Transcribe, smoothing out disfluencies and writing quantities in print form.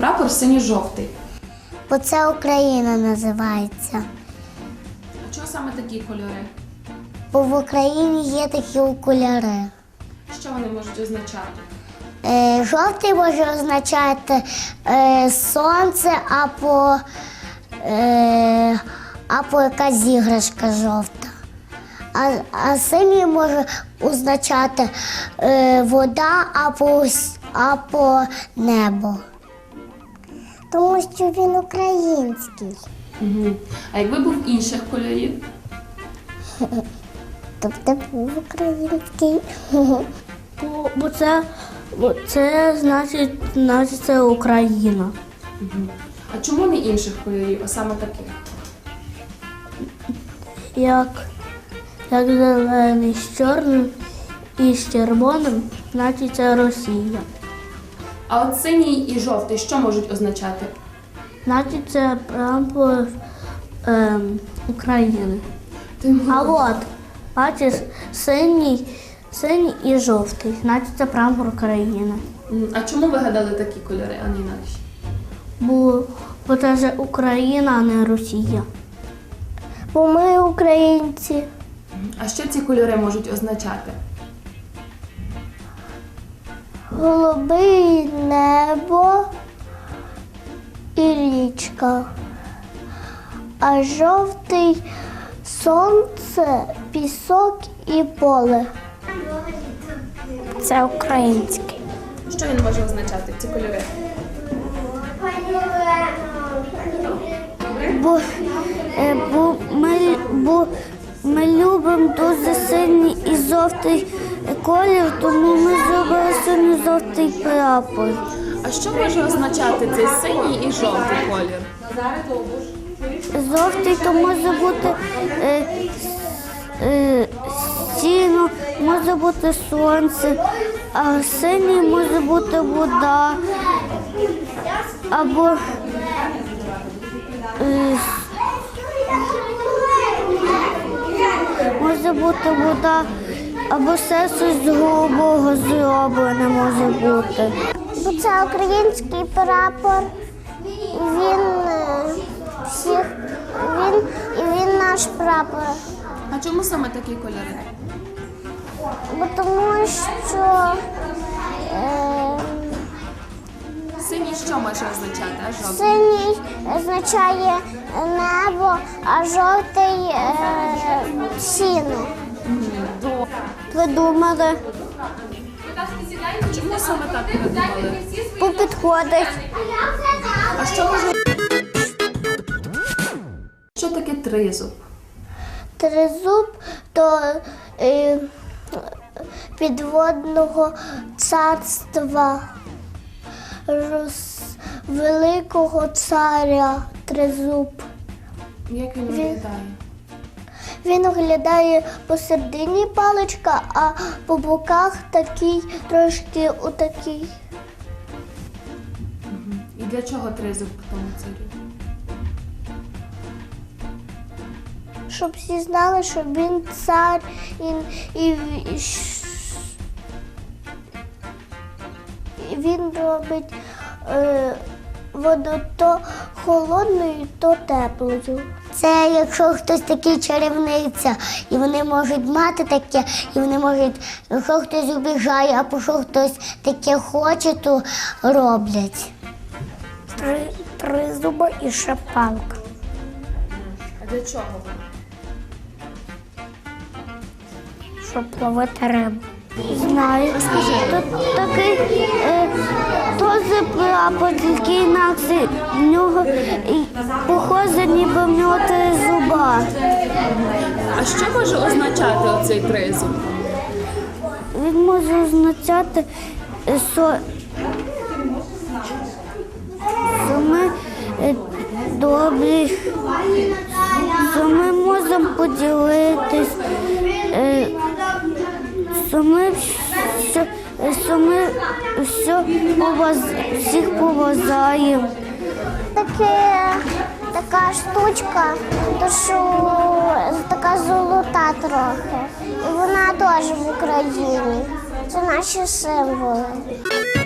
прапор синьо-жовтий? Бо це Україна називається. А чого саме такі кольори? Бо в Україні є такі окуляри. Що вони можуть означати? Жовтий може означати сонце або якась іграшка жовта. А синій може означати вода або небо. Тому що він український. Угу. А якби був інших кольорів? Тобто був український. Бо це значить це Україна. Угу. А чому не інших кольорів, а саме таких? Як зелений з чорним і з червоним, значить це Росія. А от синій і жовтий що можуть означати? Значить це прапор України. А от, бачиш, синій і жовтий, значить це прапор України. А чому ви гадали такі кольори, а не інакші? Бо це ж Україна, а не Росія. Бо ми українці. А що ці кольори можуть означати? Голубе небо і річка, а жовтий сонце, пісок і поле. Це український. Що він може означати, ці кольори? Бо ми любимо дуже синій і жовтий колір, тому ми зробили синьо-жовтий прапор. А що може означати цей синій і жовтий колір? Жовтий то може бути сіно, може бути сонце, а синій може бути вода або може бути вода, або все щось з голубого зроблене може бути. Бо це український прапор, він наш прапор. А чому саме такі кольори? Бо тому що Синій що може означати, а жовтий? синій означає небо, а жовтий сіно. Придумали. Чому саме так придумали? Бо підходить. А що може... Що таке тризуб? Тризуб то підводного царства великого царя Тризуб. Як він виглядає? Він оглядає посередині паличка, а по боках такий, трошки отакий. І для чого тризуб тому царю? Щоб всі знали, що він цар і він робить воду то холодною, то теплою. Це якщо хтось такий чарівниця, і вони можуть мати таке, і вони можуть, якщо хтось обіжає, або що хтось таке хоче, то роблять. Три зуба і ще палка. А для чого вона? Щоб ловити рибу. Знаю. Тут такий теж прапор, тільки інакше. В нього похоже, ніби в нього три зуба. А що може означати оцей тризуб? Він може означати, що ми добрі, що ми можемо поділитись, що ми всіх поважаємо. Така штучка, то що така золота трохи. І вона теж в Україні. Це наші символи.